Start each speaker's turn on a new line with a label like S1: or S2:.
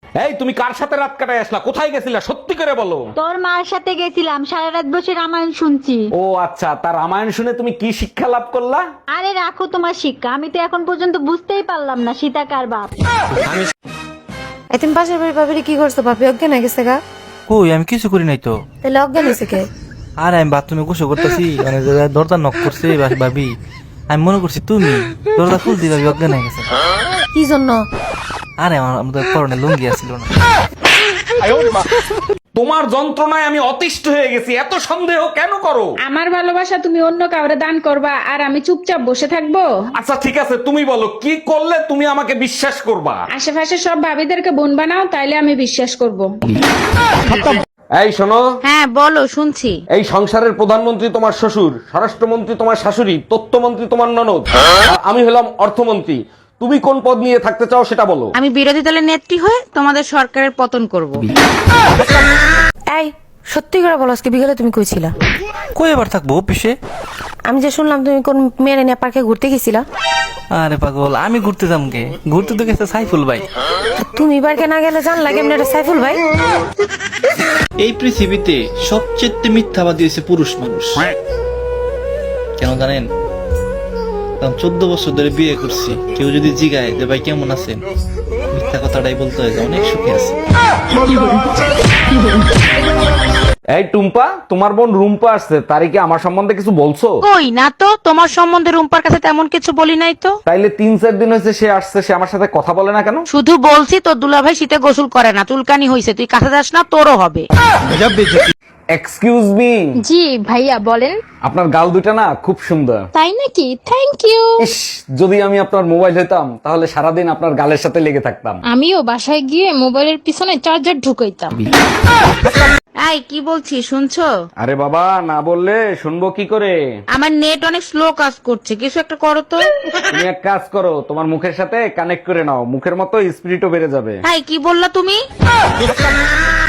S1: এই তুমি কার সাথে রাত কাটায় আসলা, কোথায় গেছিলা, সত্যি করে বলো।
S2: তোর মার সাথে গেছিলাম, সারা রাত বসে রামায়ণ শুনছি।
S1: ও আচ্ছা, তার রামায়ণ শুনে তুমি কি শিক্ষা লাভ করলা?
S2: আরে রাখো তোমার শিক্ষা, আমি তো এখন পর্যন্ত বুঝতেই পারলাম না সীতা কার বাপ।
S3: তুমি পাশের বাড়ির ভাবিরে কি করছো? ভাবি অজ্ঞান হয়ে গেছে গা?
S4: কই আমি কিছু করি নাই তো।
S3: তাহলে অজ্ঞান হয়েছে কে?
S4: আর আমি বাথরুমে গোসল করতেছি, মানে দরজা নক করছে ভাবি, আমি মনে করছি তুমি দরজা খুলতে ভাবি অজ্ঞান হয়ে গেছে।
S3: কি জন্য?
S4: আরে আমার আমাদের পরনে লুঙ্গি আসছিল না।
S1: তোমার যন্ত্রণায় আমি অতিষ্ঠ হয়ে গেছি, এত সন্দেহ কেন করো?
S5: আমার ভালোবাসা তুমি অন্য কাউরে দান করবা আর আমি চুপচাপ বসে থাকবো?
S1: আচ্ছা ঠিক আছে, তুমি বলো কি করলে তুমি আমাকে বিশ্বাস করবা?
S5: আশেপাশে সব ভাবিদেরকে বোন বানাও, তাইলে আমি বিশ্বাস করব।
S1: এই শোনো,
S3: হ্যাঁ বলো, শুনছি।
S1: এই সংসারের প্রধানমন্ত্রী তোমার শ্বশুর, স্বরাষ্ট্রমন্ত্রী তোমার শাশুড়ি, তথ্যমন্ত্রী তোমার ননদ, আর আমি হলাম অর্থমন্ত্রী। তুমি কোন পদ নিয়ে থাকতে চাও সেটা বলো।
S6: আমি বিরোধী দলের নেত্রী হয়ে তোমাদের সরকারের পতন করব।
S3: এই সত্যি করে বলো, আজকে বিকেলে তুমি কইছিলা?
S4: কই এবার থাকবো অফিসে?
S3: আমি যে শুনলাম তুমি কোন মেয়ে নিয়ে পার্কে ঘুরতে গেছিলা।
S4: আরে পাগল, আমি ঘুরতে যাম কে? ঘুরতে তো গেছে সাইফুল ভাই।
S3: তুমি পার্কে না গেলে জান লাগে এমনি একটা সাইফুল ভাই।
S7: এই পৃথিবীতে সবচেয়ে মিথ্যাবাদী হয়েছে পুরুষ মানুষ। কেন জানেন? কারণ 14 বছর ধরে বিয়ে করছি, কেউ যদি জিগায় যে ভাই কেমন আছেন, মিথ্যা কথাটাই বলতে হয় যে অনেক সুখে আছে।
S1: এই টুম্পা, তোমার বোন রুম্পা আসছে, তারে কি আমার সম্বন্ধে কিছু বলছো?
S6: কই না তো, তোমার সম্বন্ধে রুম্পার কাছে তেমন কিছু বলি নাই তো।
S1: তাইলে 3-4 দিন হয়েছে সে আসছে, সে আমার সাথে কথা বলে না কেন?
S6: শুধু বলছি তোর দুলাভাই শীতে গোসল করে না, চুলকানি হইছে, তুই কাছে যাস না, তোরও হবে।
S1: Excuse me.
S8: জি ভাইয়া বলেন।
S1: আপনার গাল দুটা না খুব সুন্দর।
S8: তাই নাকি? Thank you.
S1: ইস, যদি আমি আপনার মোবাইল হইতাম তাহলে সারাদিন আপনার গালের সাথে লেগে থাকতাম।
S8: আমিও বাসায় গিয়ে মোবাইলের পিছনে চার্জার ঢুকাইতাম।
S6: এই কি বলছি শুনছো?
S1: আরে বাবা, না বললে শুনবো কি করে?
S6: আমার নেট অনেক স্লো কাজ করছে, কিছু একটা করো তো।
S1: তুমি এক কাজ করো, তোমার মুখের সাথে কানেক্ট করে নাও, মুখের মতো স্পিরিটও বেড়ে যাবে।
S6: এই কি বললা তুমি?